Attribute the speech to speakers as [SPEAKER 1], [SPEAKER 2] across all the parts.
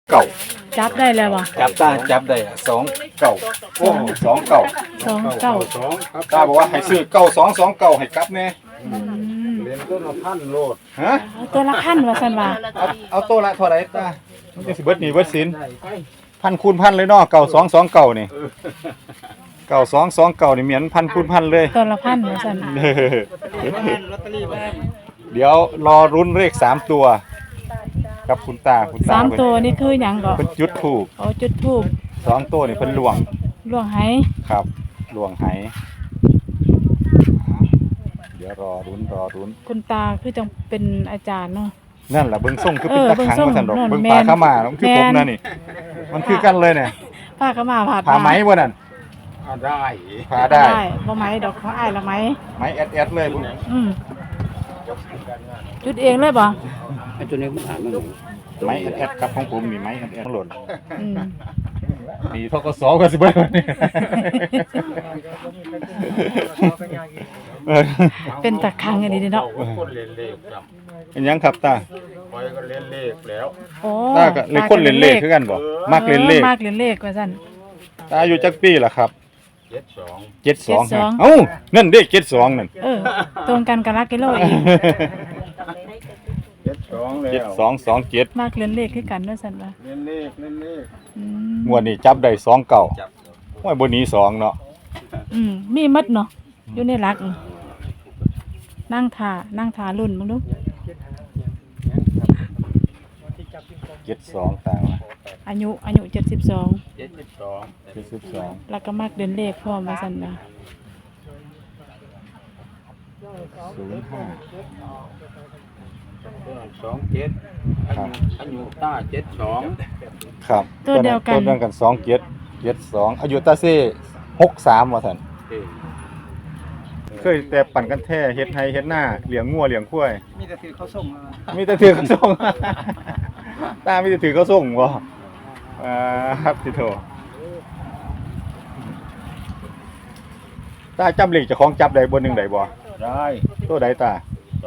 [SPEAKER 1] เก่า
[SPEAKER 2] จับได้แล้วบ่
[SPEAKER 1] จับได้สองเก่าโอ้สองเก่า
[SPEAKER 2] 29
[SPEAKER 1] ตาบอกว่าให้ซื้อเก่า2 2 9ให้กลับแน่
[SPEAKER 3] เรียนต้นละพันโลด
[SPEAKER 1] ฮะ
[SPEAKER 2] เอาตัวละพันว่าซั่นว่า
[SPEAKER 1] เอาโตละเท่าไหร่ตามันจะสิเบิดหนี้เบิดสินพันคูณพันเลยเนาะเก่า2 2 9นี่เก่า2 2 9นี่เหมือนพันคูณพันเลย
[SPEAKER 2] ตัวละพันว่าซั่น
[SPEAKER 1] เดี๋ยวรอรุ้นเลข3ตัวกับคุณตา
[SPEAKER 2] สามตัวนี่คือหยังก็
[SPEAKER 1] เพิ่นจุดถูก
[SPEAKER 2] เอาจุดธูป
[SPEAKER 1] 2ตัวนี่เพิ่นล่วง
[SPEAKER 2] ล่วงไห
[SPEAKER 1] ครับล่วงไหเดี๋ยวรอรุ้น
[SPEAKER 2] คุณตาคือจังเป็นอาจารย์เนาะ
[SPEAKER 1] นั่นแหละเบิ่งส่งคือเป็นตะขังมาสั่นดอก
[SPEAKER 2] เบิ่
[SPEAKER 1] เบิ่ง
[SPEAKER 2] ง
[SPEAKER 1] ป
[SPEAKER 2] ส่
[SPEAKER 1] ลาง เข้ามามันคือผมนะนี่ มันคือกันเลยเนี่ย
[SPEAKER 2] ป้าก็มาผ่า
[SPEAKER 1] ผาไหมบ่นั่น
[SPEAKER 3] ได้
[SPEAKER 1] ผาได้
[SPEAKER 2] บ่ไหมดอกของอ้ายละไหม
[SPEAKER 1] ไหมแอดเลยพุ่น
[SPEAKER 2] จุดเองเลยบ่
[SPEAKER 3] ไอ้ตัวนี้มันหามัน
[SPEAKER 1] ไหมแอดครับของผมนี่ไหมแอดหล่น
[SPEAKER 2] อืม
[SPEAKER 1] มีทกสก็สิเบิ่งนี่
[SPEAKER 2] เป็นตะคังอันนี้เนาะ
[SPEAKER 3] คนเรียนเลขจ
[SPEAKER 1] เป็นหยังครับตา
[SPEAKER 3] ำคอยก็เรียนเลขแล้ว
[SPEAKER 2] โอ้
[SPEAKER 1] ตาก็เลยคนเล่นเลขคือกันบ่มักเล่นเลข
[SPEAKER 2] มักเล่นเลขว่าซั่น
[SPEAKER 1] ตาอายุจักปีล่ะครับ
[SPEAKER 3] 72
[SPEAKER 1] 72ฮะเอ้านั่นเด้72นั่น
[SPEAKER 2] ตรงกันกับลักกิโลอีก
[SPEAKER 3] 72แล้ว
[SPEAKER 1] 7227
[SPEAKER 2] มักเล่นเลขคือกันว่าซั่นว่า
[SPEAKER 3] เรียนเลข
[SPEAKER 2] อืม
[SPEAKER 1] งวดนี้จับได้2เก่าโอ้ยบ่หนี2เนาะ
[SPEAKER 2] มีหมดเนาะอยู่ในหลักนั่งท่ารุ่นมึงดู
[SPEAKER 1] 72ตาว่า
[SPEAKER 2] อายุ72
[SPEAKER 1] 72
[SPEAKER 2] แล้วก็มักเล่นเลขพร้อมว่าซั่นว่า
[SPEAKER 1] 05 ครับ
[SPEAKER 3] อายุต้า72
[SPEAKER 1] ครับ
[SPEAKER 2] ตัวเดียวกัน
[SPEAKER 1] ตัวเดียวกัน2772อายุตาเซ่63ว่าซั่นเคยแต่ปั่นกันแท้เฮ็ดไร่เฮ็ดนาเลี้ยงงัวเลี้ยงควายมีแต่ถือเขาส่งตามีแต่ถือเขาส่งบ่ครับสิโทตาจำเลขเจ้าของจับได้บ่หนึงได้บ่
[SPEAKER 3] ได้
[SPEAKER 1] ตัวใดตา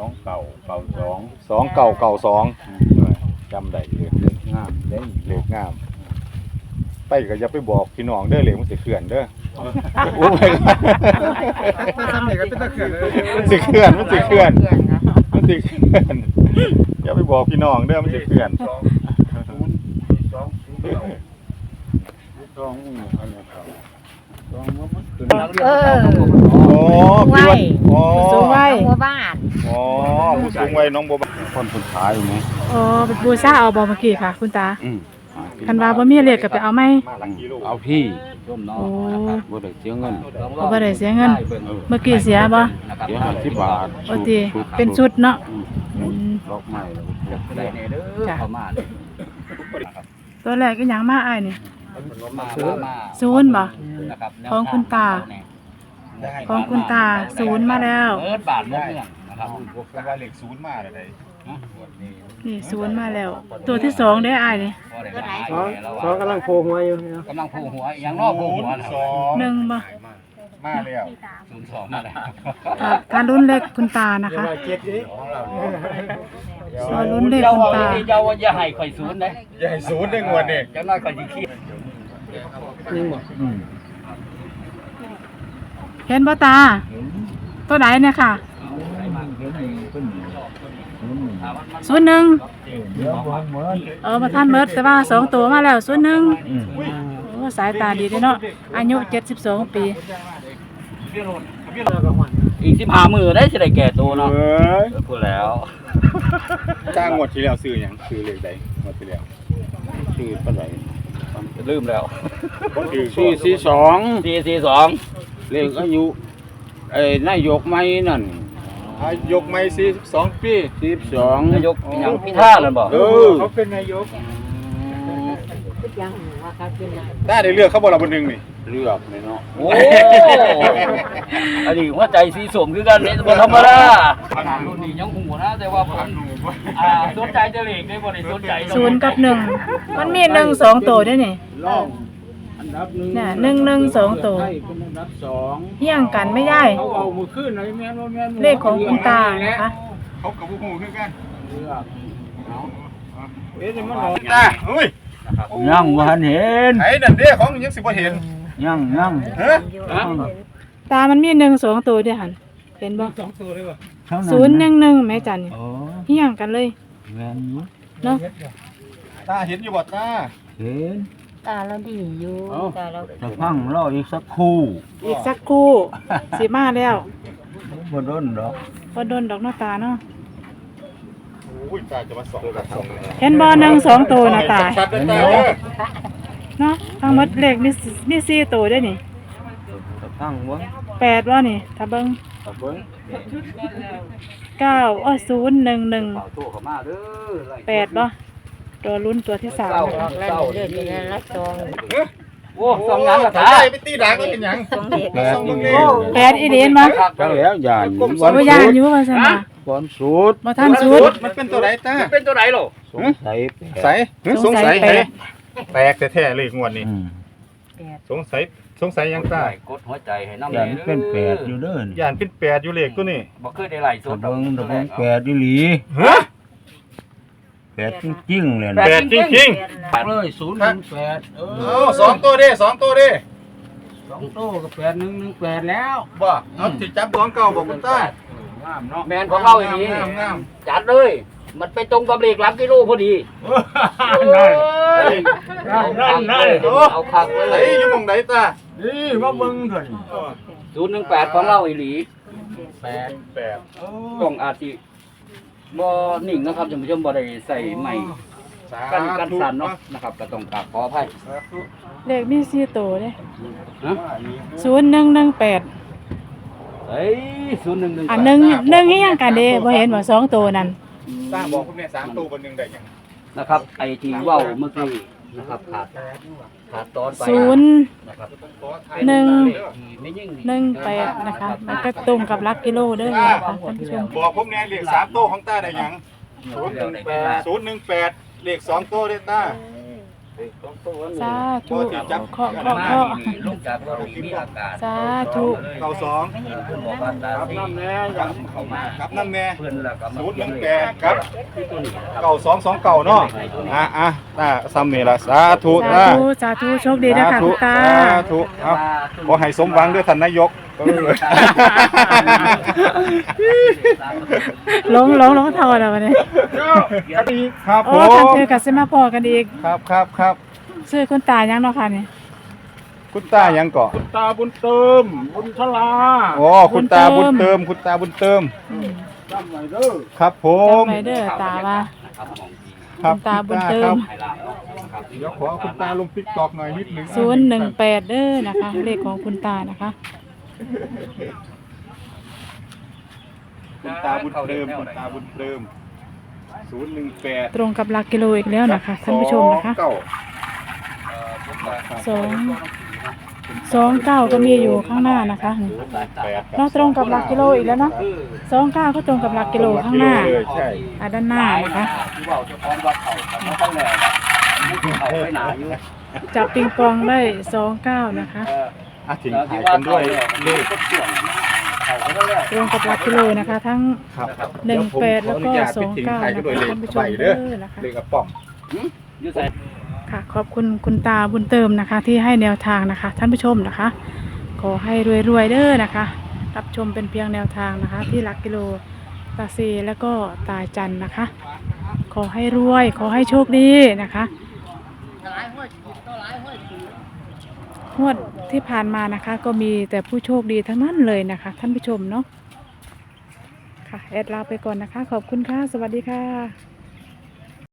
[SPEAKER 3] 2992
[SPEAKER 1] 2992จำได้เลข
[SPEAKER 3] งามเด้ง
[SPEAKER 1] เลขงามไปก็อย่าไปบอกพี่น้องเด้อเลขมันสิเคลื่อนเด้อโอ้ยมันสิเคลื่อนอย่าไปบอกพี่น้องเด้อมันสิเคลื่อน โอ้พี่ว่าอ๋อ
[SPEAKER 2] สูงไว้
[SPEAKER 4] หมู่บ้าน
[SPEAKER 1] อ๋อผู้สูงวัยน้องบัวบานคนคนขายอยู่ไหม
[SPEAKER 2] อ๋อเป็นบูชาเอาบ่เมื่อกี้ค่ะ คุณตาคันว่าบ่มีเลขก็ไปเอาไหม
[SPEAKER 3] เอาพี่ร่มน้อ
[SPEAKER 2] โอ้
[SPEAKER 3] บ่ได้เสียเงิน
[SPEAKER 2] บ่ได้เสียเงิน เมื่อกี้เสียบ่
[SPEAKER 3] เสีย50 บาท
[SPEAKER 2] โอ้ติเป็นชุดเนาะอืม
[SPEAKER 3] ดอกไม้ได้แน่เด้อ
[SPEAKER 2] จ้ะ
[SPEAKER 3] เข้ามา
[SPEAKER 2] ตัวแรกอีหยังมาอ้ายนี่
[SPEAKER 3] มา
[SPEAKER 2] ศูนย์บ่
[SPEAKER 3] นะครับ
[SPEAKER 2] ของคุณตา ของคุณตาศูนย์มาแล้ว
[SPEAKER 3] เปิดบาทมุกเนี่ยนะครับ
[SPEAKER 1] ว่าเลขศูนย์มาเลย
[SPEAKER 2] นี่ศูนย์มาแล้ว ตัวที่สองได้อ้ายนี่
[SPEAKER 3] เขากำลังโผล่หัวอยู่กำลังโผล่หัวอย่างนอกโผล่หัวนะ
[SPEAKER 2] หนึ่งบ่
[SPEAKER 1] มาแล้ว
[SPEAKER 3] 02มาแล้ว
[SPEAKER 2] การลุ้นเลขคุณตานะคะรอลุ้นเลขคุณตา
[SPEAKER 3] เจ้าอย่าให้ข่อยศูนย์เด้
[SPEAKER 1] อย่าให้ศูนย์ได้งวดนี่
[SPEAKER 3] จังน้อยข่อยสิเครียด
[SPEAKER 2] เห็นบ่ตา ตัวไหนเนี่ยค่ะ01มาท่านเมิดแต่ว่า2ตัวมาแล้ว01โอ้สายตาดีเด้เนาะอายุ72 ปี
[SPEAKER 3] อีก15มื้อได้สิได้แก่ตัวเนาะ
[SPEAKER 1] เอ้ย
[SPEAKER 3] พูดแล้ว
[SPEAKER 1] จ้างงวดที่แล้วซื้อหยังซื้อเลขใดงวดที่แล้ว
[SPEAKER 3] ชื่อปานใดลืมแล้ว
[SPEAKER 1] ซื้อ
[SPEAKER 3] 442เลขอายุนายกใหม่นั่น
[SPEAKER 1] อายุใหม่42ปี
[SPEAKER 3] 12นายกหยังพิธาแล้วบ่
[SPEAKER 1] เขาเป็นนายกได้เลือกเขาบ่ล่ะบ่นึงนี่
[SPEAKER 3] เลือกเลยเนาะโอ้อันนี้หัวใจสีส้มคือกันนี่บ่ธรรมดารุ่นนี้ยังหูนะแต่ว่าผมสนใจจะเลขได้บ่ได้สนใจ
[SPEAKER 2] 0 กับ 1 มันมี1 2ตัวด้วยนี่
[SPEAKER 3] รองอันดับ1
[SPEAKER 2] น่ะ1 1 2ตัว
[SPEAKER 3] เป็นอันดับ2
[SPEAKER 2] เฮี้ยงกันไม่ได้
[SPEAKER 3] เขาเอามือขึ้นเลยแม่นบ่แม่น
[SPEAKER 2] เลขของคุณตานะคะ
[SPEAKER 1] เขากับบ่ฮู้คือกัน
[SPEAKER 3] เลือกเอาเอ๊ะมัน
[SPEAKER 1] ตาเฮ้ย
[SPEAKER 3] นะครับ
[SPEAKER 4] ยังบ่ทันเห็น
[SPEAKER 1] ไอ้นั่นเด้ของยังสิบ่เห็น
[SPEAKER 4] ยัง
[SPEAKER 1] เฮ้ย
[SPEAKER 2] ตามันมีหนึ่งสองตัวเด้อหันเห็นบ่
[SPEAKER 4] เท่า
[SPEAKER 2] ศูนย์หนึ่งหนึ่งแม่จันนี่
[SPEAKER 4] โอ้
[SPEAKER 2] เฮี้ยงกันเลย
[SPEAKER 4] แม่นอยู่
[SPEAKER 2] เนาะ
[SPEAKER 1] ตาเห็นอยู่บ่ตา
[SPEAKER 4] เห็น
[SPEAKER 5] ตาเราดีอยู่ตาเรา
[SPEAKER 4] จะฟังรออีกสักครู่
[SPEAKER 2] อีกสักครู่สิมาแล้ว
[SPEAKER 4] บ่โดนดอก
[SPEAKER 2] พอโดนดอกหน้าตาเนาะ
[SPEAKER 1] อุ้ยตาจะมาส่องกับส่องเลย
[SPEAKER 2] เห็นบ่หนึ่งสองตัวนะตา
[SPEAKER 1] ชัดๆเลยตาเด้อ
[SPEAKER 2] เนาะทั้งหมดเลขมีสี่ตัวได้อนี่
[SPEAKER 4] จะฟังบ่
[SPEAKER 2] แปดว่านี่ถ้าเบิ่ง
[SPEAKER 4] เอาเบิ่ง
[SPEAKER 2] ศูนย์หนึ่งหนึ่ง
[SPEAKER 3] เป่าโซ่เข้ามาเด้อ
[SPEAKER 2] แปดบ่ตัวลุ้นตัวที่สามนะคะ
[SPEAKER 5] ลั่นเลือดเป็นรักซอง
[SPEAKER 3] โอ้สองงานละ
[SPEAKER 1] ตา
[SPEAKER 3] ตา
[SPEAKER 1] ไปตีดักก็เป็นหยัง
[SPEAKER 5] ซองเด็ก
[SPEAKER 4] แปดนี่
[SPEAKER 2] แปดอีเดียนมา
[SPEAKER 4] จังแล้วยาน
[SPEAKER 2] โอ้ยานอยู่ว่าซั่นน่ะ
[SPEAKER 4] ก่อนสุด
[SPEAKER 2] บ่ทันสุด
[SPEAKER 1] มันเป็นตัวไหนตา
[SPEAKER 3] เป็นตัวไหนหรอ
[SPEAKER 4] สงสัยแปด
[SPEAKER 1] ใสสงสัย
[SPEAKER 2] แปลก
[SPEAKER 1] แปลกแท้ๆเลยงวดนี้
[SPEAKER 4] อืม
[SPEAKER 1] สงสัยยังตาก
[SPEAKER 3] ดหัวใจให้น้ำ
[SPEAKER 4] ยานเป็นแปดอยู่เด้อนี่
[SPEAKER 1] ย่านเป็นแปดอยู่เลขตัวนี้
[SPEAKER 3] บ่เคยได้ไหลส
[SPEAKER 4] ตะ
[SPEAKER 3] ด
[SPEAKER 4] เบิ่งตะเบิ่งแปดอีหลี
[SPEAKER 1] ฮะ
[SPEAKER 4] แปดจริงๆเลย
[SPEAKER 1] แป
[SPEAKER 4] นะ
[SPEAKER 1] ดจริง
[SPEAKER 4] เลย018
[SPEAKER 1] ๆเอาสองตัวเด้สองตัวเด้
[SPEAKER 4] 2โต้ก็8118แล้ว
[SPEAKER 1] บ่เอาสิจับของเก่าบอกคุณตา
[SPEAKER 4] งามเนาะ
[SPEAKER 3] แมนของเราอย่างนี้
[SPEAKER 1] งาม
[SPEAKER 3] จัดเลย มันไปตรงกับเลขหลักกิโลพอดี
[SPEAKER 4] นั่น
[SPEAKER 3] เอาคักไว้
[SPEAKER 1] ไหน
[SPEAKER 3] เลย
[SPEAKER 1] อยู่หม่องไหนตา
[SPEAKER 4] นี่มาเบิ่งเถอะนี่
[SPEAKER 3] 018ของเราอีหลี
[SPEAKER 4] แปด
[SPEAKER 3] กล้องอาจสิบ่นิ่งนะครับท่านผู้ชมบ่ได้ใส่ไม้กันสั่นเนาะนะครับก็ต้องกราบขออภัย
[SPEAKER 2] เลขมีสี่ตัวเด้
[SPEAKER 3] ฮะ
[SPEAKER 2] 0118
[SPEAKER 3] เฮ้ย011
[SPEAKER 2] อันหนึ่งอีหยังกันเด้บ่เห็นว่าสองตัวนั่น
[SPEAKER 1] ตาบอกคุณแม่3ตัวบนหนึงได้หยัง
[SPEAKER 3] นะครับไอ้ที่เว้าเมื่อกี้นะครับขาดตอนไป
[SPEAKER 2] ศูนย์
[SPEAKER 3] นะครับ
[SPEAKER 2] หนึ่ง
[SPEAKER 3] ไม่ยิ่ง
[SPEAKER 2] 18นะคะมันก็ตรงกับหลักกิโลเด้อนะคะท่านผู้ชม
[SPEAKER 1] บอกผมแน่เลข3ตัวของตาได้หยัง018เลข2ตัวเด้ตา
[SPEAKER 2] สาธุ
[SPEAKER 1] จับ
[SPEAKER 2] เคาะ
[SPEAKER 3] ลงจากรถมีอาการ
[SPEAKER 2] สาธุ
[SPEAKER 1] เก่าสอง
[SPEAKER 3] คุณบอกว่าตาสีเข้ามา
[SPEAKER 1] ครับน้ำแม่
[SPEAKER 3] เพื่อนแล้วก็มา
[SPEAKER 1] 018ครับเก่า229เนาะอ่ะตาซ้ำนี่ล่ะสาธุ
[SPEAKER 2] สาธุสาธุโชคดีนะคะคุณตา
[SPEAKER 1] สาธุเอาขอให้สมหวังด้วยท่านนายก
[SPEAKER 2] ลงทอแล้ววันนี้
[SPEAKER 1] ครับผ
[SPEAKER 2] โอ้
[SPEAKER 1] ม
[SPEAKER 2] ทันเจอกับเซมาพอกันอีก
[SPEAKER 1] ครับ
[SPEAKER 2] ชื่อคุณตายังเนาะค่ะนี่
[SPEAKER 1] คุณตายังเกาะ
[SPEAKER 4] ตาบุญเติมบุญชลา
[SPEAKER 1] โอ้คุณตาบุญเติมคุณตาบุญเติม
[SPEAKER 4] จำไว้เด้อ
[SPEAKER 1] ครับผม
[SPEAKER 2] จำไว้เด้อตาว่า
[SPEAKER 1] ครับ
[SPEAKER 2] คุณตาบุญเติม
[SPEAKER 1] เดี๋ยวขอคุณตาลงติ๊กตอกหน่อยนิดนึง
[SPEAKER 2] 018เด้อนะคะเลขของคุณตานะคะ
[SPEAKER 1] คุณตาบุญเติมคุณตาบุญเติม018
[SPEAKER 2] ตรงกับหลักกิโลอีกแล้วนะคะท่านผู้ชมนะคะ229ก็มีอยู่ข้างหน้านะคะเราตรงกับหลักกิโลอีกแล้วเนาะ29ก็ตรงกับหลักกิโลข้างหน้า
[SPEAKER 1] ใช่
[SPEAKER 2] ด้านหน้านะคะ
[SPEAKER 3] ที่ว่าจะพร้อมวัดเขาเขาตั้งแต่เขาไปหนาอยู่
[SPEAKER 2] จับปิงปองได้29นะคะ
[SPEAKER 1] ทิ้งถ่ายกันด้วยเลข
[SPEAKER 2] ตรงกับหลักกิโลนะคะ ทั้ง
[SPEAKER 1] ครับ
[SPEAKER 2] 18แล้วก็
[SPEAKER 1] เดี๋ยวผมขออนุญาตไปทิ้ง
[SPEAKER 2] 29
[SPEAKER 1] ท้าย
[SPEAKER 2] นะ
[SPEAKER 1] กันด้วย
[SPEAKER 2] คะ
[SPEAKER 1] เลข
[SPEAKER 2] ท่านผู้ช
[SPEAKER 1] ใบ
[SPEAKER 2] ม
[SPEAKER 1] เด้อ
[SPEAKER 2] นะคะ
[SPEAKER 1] เลขกระป๋อง
[SPEAKER 3] อยู่ใส่
[SPEAKER 2] ค่ะขอบคุณคุณตาบุญเติมนะคะ ที่ให้แนวทางนะคะ ท่านผู้ชมนะคะ ขอให้รวยๆเด้อนะคะ รับชมเป็นเพียงแนวทางนะคะ ที่หลักกิโลตาเซแล้วก็ตาจันนะคะ ขอให้รวยขอให้โชคดีนะคะงวดที่ผ่านมานะคะ ก็มีแต่ผู้โชคดีทั้งนั้นเลยนะคะ ท่านผู้ชมเนาะค่ะแอดลาไปก่อนนะคะ ขอบคุณค่ะสวัสดีค่ะ